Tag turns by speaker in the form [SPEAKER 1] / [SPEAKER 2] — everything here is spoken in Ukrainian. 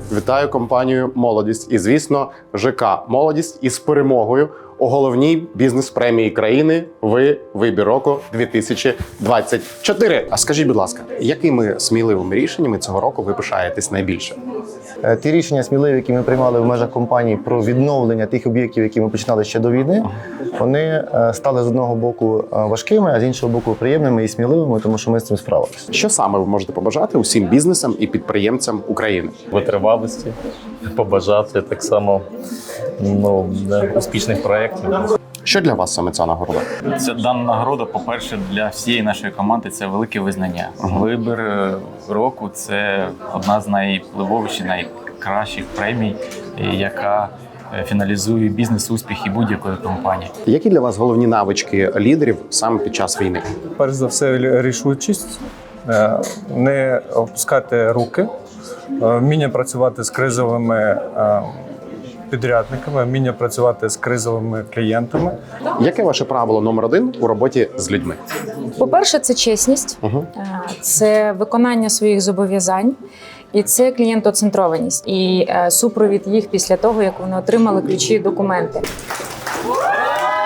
[SPEAKER 1] вітаю компанію «Молодість» і, звісно, ЖК «Молодість» із перемогою у головній бізнес-премії країни «Вибір року 2024». А скажіть, будь ласка, якими сміливими рішеннями цього року ви пишаєтесь найбільше?
[SPEAKER 2] Ті рішення сміливі, які ми приймали в межах компанії про відновлення тих об'єктів, які ми починали ще до війни, вони стали з одного боку важкими, а з іншого боку приємними і сміливими, тому що ми з цим справилися.
[SPEAKER 1] Що саме ви можете побажати усім бізнесам і підприємцям України?
[SPEAKER 3] Витривалості, побажати так само успішних проєктів.
[SPEAKER 1] Що для вас саме ця нагорода?
[SPEAKER 4] Ця дана нагорода, по-перше, для всієї нашої команди це велике визнання. Вибір року це одна з найвпливовіших, найкращих премій, яка фіналізує бізнес-успіхи будь-якої компанії.
[SPEAKER 1] Які для вас головні навички лідерів саме під час війни?
[SPEAKER 5] Перш за все, рішучість, не опускати руки, вміння працювати з кризовими підрядниками, вміння працювати з кризовими клієнтами.
[SPEAKER 1] Яке ваше правило номер 1 у роботі з людьми?
[SPEAKER 6] По-перше, це чесність, це виконання своїх зобов'язань і це клієнтоцентрованість і супровід їх після того, як вони отримали ключі і документи.